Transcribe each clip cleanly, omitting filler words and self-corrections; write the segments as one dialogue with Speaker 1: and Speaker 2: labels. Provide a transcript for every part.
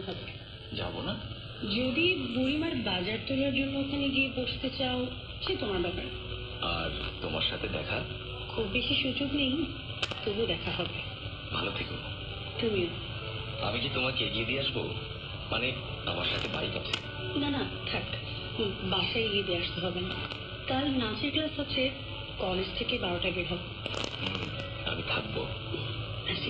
Speaker 1: হবে।
Speaker 2: যাবো না?
Speaker 1: যদি বুড়িমার বাজার তোলার জন্য ওখানে গিয়ে বসতে চাও সে তোমার ব্যাপার।
Speaker 2: আর তোমার সাথে দেখা?
Speaker 1: খুব বেশি সুযোগ নেই, তবু দেখা হবে।
Speaker 2: ভালো থেকো।
Speaker 1: তুমিও।
Speaker 2: আমি কি তোমাকে এগিয়ে দিয়ে আসবো? মানে আমার সাথে বাইক আছে?
Speaker 1: না না থাক, বাসায় গিয়ে দিয়ে আসতে হবে না। কাল নাচের ক্লাস আছে, কলেজ থেকে 12টায় বের হব।
Speaker 2: আমি থাকবো।
Speaker 1: আসি।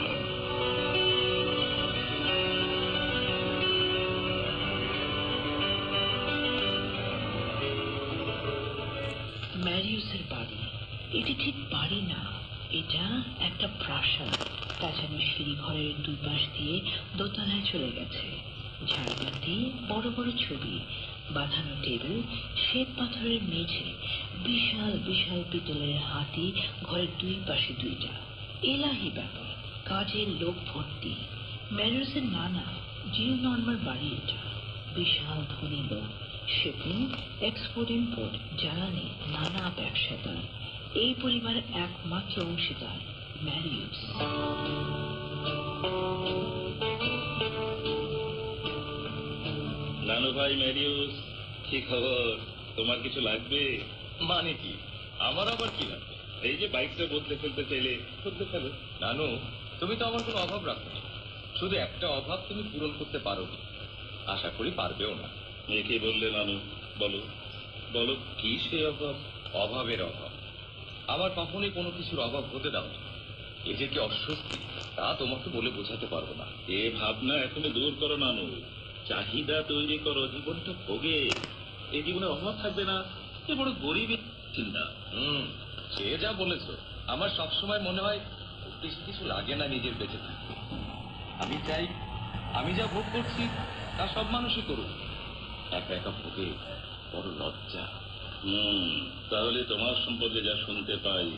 Speaker 3: ম্যারিউসের বাড়ি। এটি ঠিক বাড়ি না, এটা একটা প্রাসাদ। তাছাড়া সিঁড়ি ঘরের দুই পাশ দিয়ে দোতলায় চলে গেছে। ঝাড়বাতি, বড় বড় ছবি, বাঁধানো টেবিল, শ্বেত পাথরের মেঝে, বিশাল বিশাল পিতলের হাতি ঘরের দুই পাশে দুইটা। এলাহি ব্যাপার, কাজের লোক ভর্তি। ম্যারিউসের নানা জিও নর্মার বাড়ি এটা। বিশাল ধনী লোক, শিপিং, এক্সপোর্ট ইম্পোর্ট, জ্বালানি, নানা ব্যবসা তার। এই পরিবারের একমাত্র অংশীদার ম্যারিউস।
Speaker 4: নানু ভাই ম্যারিউস, কি খবর? তোমার কিছু লাগবে?
Speaker 2: মানে কি? আমার আবার কি লাগবে?
Speaker 4: এই যে বাইকটা বদলে ফেলতে চাইলে বদলে ফেলো।
Speaker 2: নানু, তুমি তো আমার কোনো অভাব রাখো না। শুধু একটা অভাব তুমি পূরণ করতে পারো, আশা করি পারবেও না।
Speaker 4: একে বললে নানু? বলো বলো, কি সে অভাব?
Speaker 2: অভাবের অভাব। আমার কখনোই কোনো কিছুর অভাব হতে দাও না। এ যে কি অস্বস্তি, তা তোমাকে বলে বোঝাতে পারবো না।
Speaker 4: এ ভাবনা এখনই দূর করো নানু। চাহিদা তৈরি করো, জীবনটা ভোগে। এই জীবনে অভাব থাকবে না, এ বড় গরিবই চিন্তা।
Speaker 2: সে যা বলেছো। আমার সবসময় মনে হয় খুব বেশি কিছু লাগে না নিজের বেঁচে থাকতে। আমি চাই আমি যা ভোগ করছি তা সব মানুষই করুক। একা একা ভোগে বড় লজ্জা।
Speaker 4: তাহলে তোমার সম্পর্কে যা শুনতে পাই